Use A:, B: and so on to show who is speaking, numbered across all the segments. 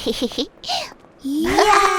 A: 이야.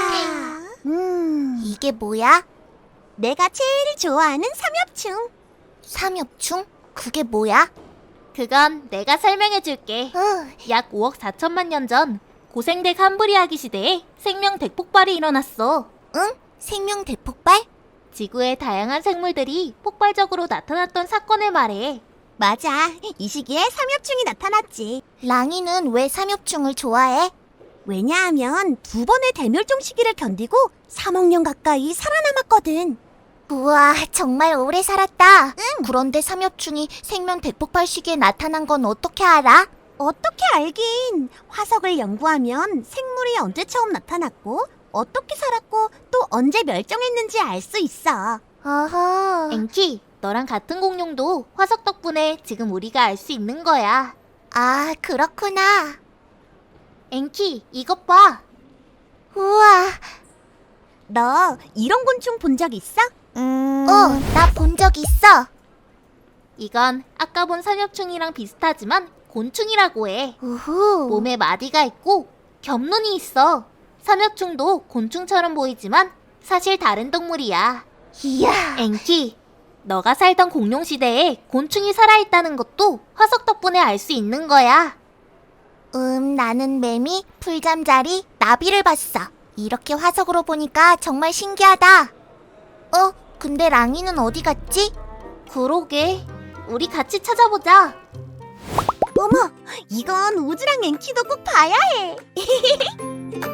A: 이게 뭐야? 내가 제일 좋아하는 삼엽충. 삼엽충? 그게 뭐야?
B: 그건 내가 설명해줄게. 약 5억 4천만 년 전 고생대 캄브리아기 시대에 생명 대폭발이 일어났어.
A: 응? 생명 대폭발?
B: 지구의 다양한 생물들이 폭발적으로 나타났던 사건을 말해.
A: 맞아. 이 시기에 삼엽충이 나타났지. 랑이는 왜 삼엽충을 좋아해? 왜냐하면 두 번의 대멸종 시기를 견디고 3억 년 가까이 살아남았거든. 우와, 정말 오래 살았다. 응. 그런데 삼엽충이 생명 대폭발 시기에 나타난 건 어떻게 알아? 어떻게 알긴. 화석을 연구하면 생물이 언제 처음 나타났고 어떻게 살았고 또 언제 멸종했는지 알 수 있어. 어허.
B: 앵키, 너랑 같은 공룡도 화석 덕분에 지금 우리가 알 수 있는 거야.
A: 아, 그렇구나.
B: 앵키, 이것 봐.
A: 우와. 너 이런 곤충 본 적 있어? 나 본 적 있어.
B: 이건 아까 본 삼엽충이랑 비슷하지만 곤충이라고 해.
A: 우후.
B: 몸에 마디가 있고 겹눈이 있어. 삼엽충도 곤충처럼 보이지만 사실 다른 동물이야.
A: 이야.
B: 앵키, 너가 살던 공룡 시대에 곤충이 살아있다는 것도 화석 덕분에 알 수 있는 거야.
A: 나는 매미, 풀잠자리, 나비를 봤어. 이렇게 화석으로 보니까 정말 신기하다. 근데 랑이는 어디 갔지?
B: 그러게, 우리 같이 찾아보자.
A: 어머, 이건 우즈랑 앵키도 꼭 봐야 해.